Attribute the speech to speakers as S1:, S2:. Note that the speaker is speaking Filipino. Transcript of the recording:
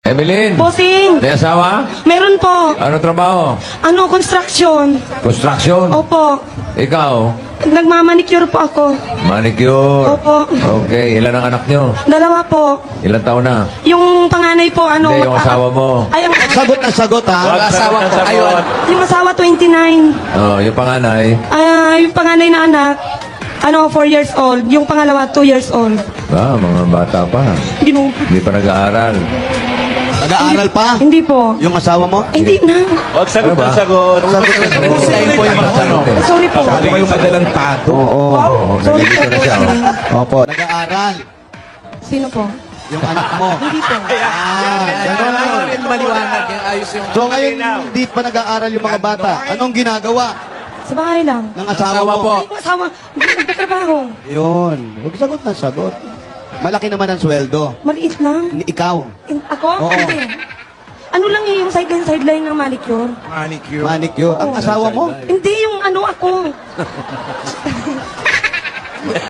S1: Evelyn!
S2: Bossing!
S1: May asawa?
S2: Meron po.
S1: Ano trabaho?
S2: Ano, construction.
S1: Construction?
S2: Opo.
S1: Ikaw?
S2: Nagmamanicure po ako.
S1: Manicure?
S2: Opo.
S1: Okay, ilan ang anak nyo?
S2: Dalawa po.
S1: Ilan taon na?
S2: Yung panganay po, ano...
S1: Hindi, yung asawa mo.
S2: Ay,
S3: Sagot na sagot, ha?
S1: Wag asawa ko. Ayun.
S2: yung asawa, 29.
S1: Oh, yung panganay.
S2: Yung panganay na anak, 4 years old. Yung pangalawa, 2 years old.
S1: Mga bata pa.
S2: Gino.
S1: Hindi pa nag-aaral.
S3: Nag-aaral pa?
S2: Hindi po.
S3: Yung asawa mo?
S2: Hindi na.
S4: Huwag sagot
S1: Ano ba?
S4: ng sagot.
S1: Husayin po yung mga tanong.
S2: Sorry po.
S4: Sabi ko yung madalang tato.
S3: Oo.
S1: Oo,
S2: Sorry
S1: nalilito na siya. Oh.
S3: Opo. Nag-aaral.
S2: Sino po?
S3: Yung anak mo.
S2: Hindi po.
S3: Ganun.
S4: Maliwanag yung ayos yung...
S3: So ngayon, hindi pa nag-aaral yung mga bata. Anong ginagawa
S2: Sa bahay lang.
S3: ng asawa mo?
S2: Ay, yung asawa, hindi nagtatrabaho.
S3: Yun. Huwag sagot na sagot. Malaki naman ang sweldo.
S2: Maliit lang.
S3: Ikaw.
S2: Ako?
S3: Oo.
S2: Hindi. Ano lang yung sideline ng manicure?
S4: Manicure.
S3: Manicure. Ang asawa mo?
S2: Hindi yung ako.